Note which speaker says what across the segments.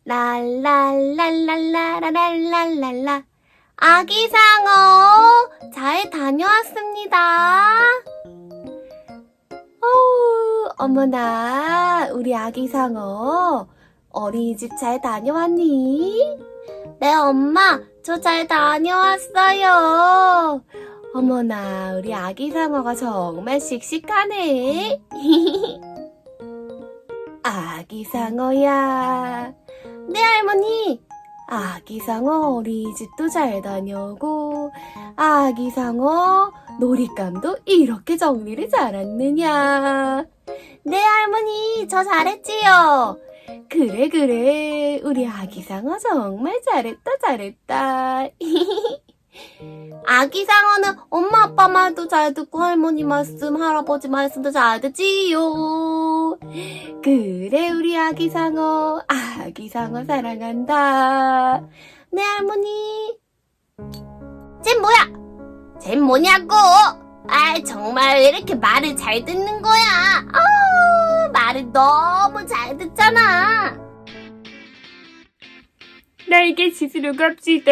Speaker 1: 랄랄랄랄랄랄랄랄랄라. 아기 상어, 잘 다녀왔습니다. 어머나, 우리 아기 상어, 어린이집 잘 다녀왔니? 네, 엄마, 저 잘 다녀왔어요. 어머나, 우리 아기 상어가 정말 씩씩하네. 아기 상어야. 네, 할머니. 아기 상어 어린이집도 잘 다녀오고, 아기 상어 놀잇감도 이렇게 정리를 잘했느냐. 네, 할머니, 저 잘했지요. 그래, 우리 아기 상어 정말 잘했다. 아기 상어는 엄마 아빠 말도 잘 듣고 할머니 말씀, 할아버지 말씀도 잘 듣지요. 그래, 우리 아기 상어 사랑한다. 네, 할머니. 쟨 뭐냐고. 정말 왜 이렇게 말을 잘 듣는 거야. 말을 너무 잘 듣잖아.
Speaker 2: 날개 짖으러 갑시다.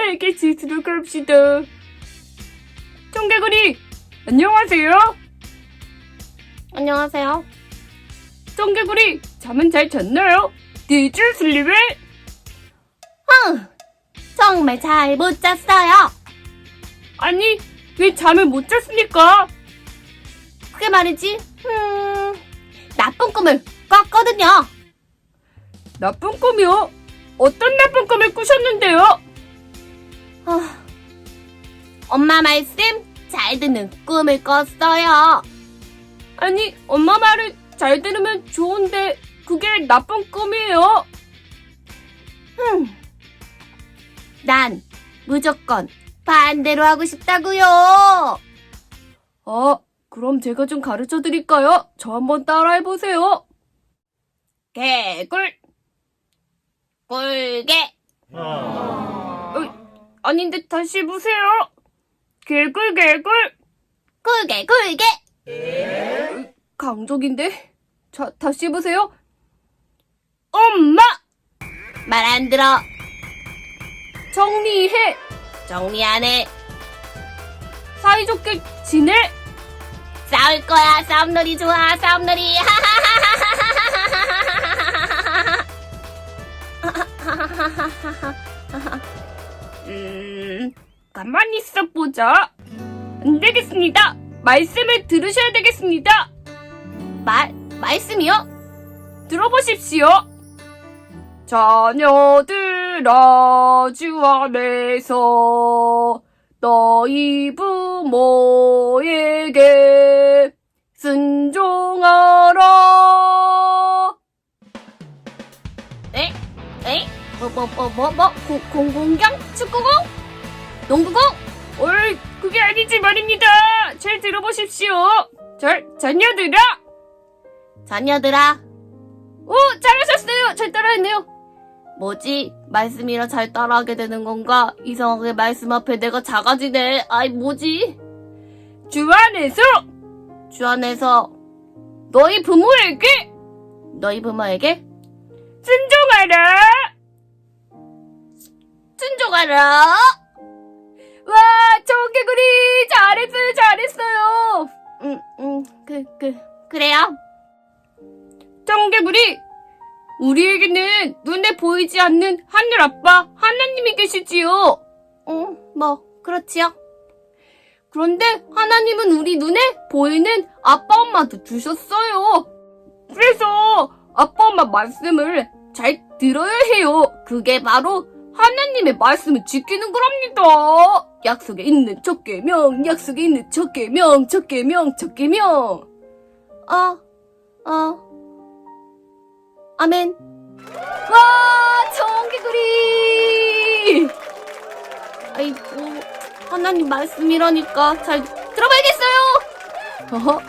Speaker 2: 청개구리, 안녕하세요.
Speaker 1: 안녕하세요.
Speaker 2: 청개구리, 잠은 잘 잤나요? Did you sleep?
Speaker 1: 정말 잘 못 잤어요.
Speaker 2: 아니, 왜 잠을 못 잤습니까?
Speaker 1: 그게 말이지, 나쁜 꿈을 꿨거든요.
Speaker 2: 나쁜 꿈이요? 어떤 나쁜 꿈을 꾸셨는데요?
Speaker 1: 엄마 말씀 잘 듣는 꿈을 꿨어요.
Speaker 2: 아니, 엄마 말을 잘 들으면 좋은데 그게 나쁜 꿈이에요.
Speaker 1: 난 무조건 반대로 하고 싶다고요.
Speaker 2: 그럼 제가 좀 가르쳐 드릴까요? 저 한번 따라해보세요.
Speaker 1: 개굴 꿀개.
Speaker 2: 아닌데 다시 해보세요. 개굴
Speaker 1: 꿀개.
Speaker 2: 강적인데? 자, 다시 해보세요. 엄마!
Speaker 1: 말 안 들어.
Speaker 2: 정리해.
Speaker 1: 정리 안 해.
Speaker 2: 사이좋게 지내.
Speaker 1: 싸울 거야. 싸움놀이 좋아. 싸움놀이.
Speaker 2: 가만히 있어보자. 안 되겠습니다. 말씀을 들으셔야 되겠습니다.
Speaker 1: 말씀이요?
Speaker 2: 들어보십시오. 자녀들아, 주 안에서 너희 부모에게 순종하라.
Speaker 1: 공경? 축구공? 농구공?
Speaker 2: 그게 아니지 말입니다. 잘 들어보십시오. 자녀들아. 잘하셨어요. 잘 따라했네요.
Speaker 1: 뭐지? 말씀이라 잘 따라하게 되는 건가? 이상하게 말씀 앞에 내가 작아지네. 뭐지?
Speaker 2: 주 안에서
Speaker 1: 너희 부모에게 순종하라.
Speaker 2: 와, 청개구리 잘했어요.
Speaker 1: 그래요?
Speaker 2: 청개구리, 우리에게는 눈에 보이지 않는 하늘 아빠 하나님이 계시지요.
Speaker 1: 그렇지요.
Speaker 2: 그런데 하나님은 우리 눈에 보이는 아빠 엄마도 주셨어요. 그래서 아빠 엄마 말씀을 잘 들어야 해요. 그게 바로 하나님의 말씀을 지키는 거랍니다. 약속에 있는 첫 계명.
Speaker 1: 아멘.
Speaker 2: 와, 청개구리!
Speaker 1: 하나님 말씀이라니까 잘 들어봐야겠어요.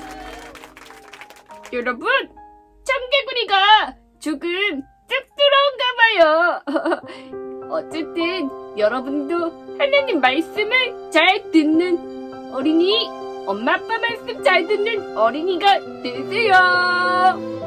Speaker 2: 여러분, 청개구리가 조금 쑥스러운가 봐요. 어쨌든 여러분도 하나님 말씀을 잘 듣는 어린이, 엄마 아빠 말씀 잘 듣는 어린이가 되세요.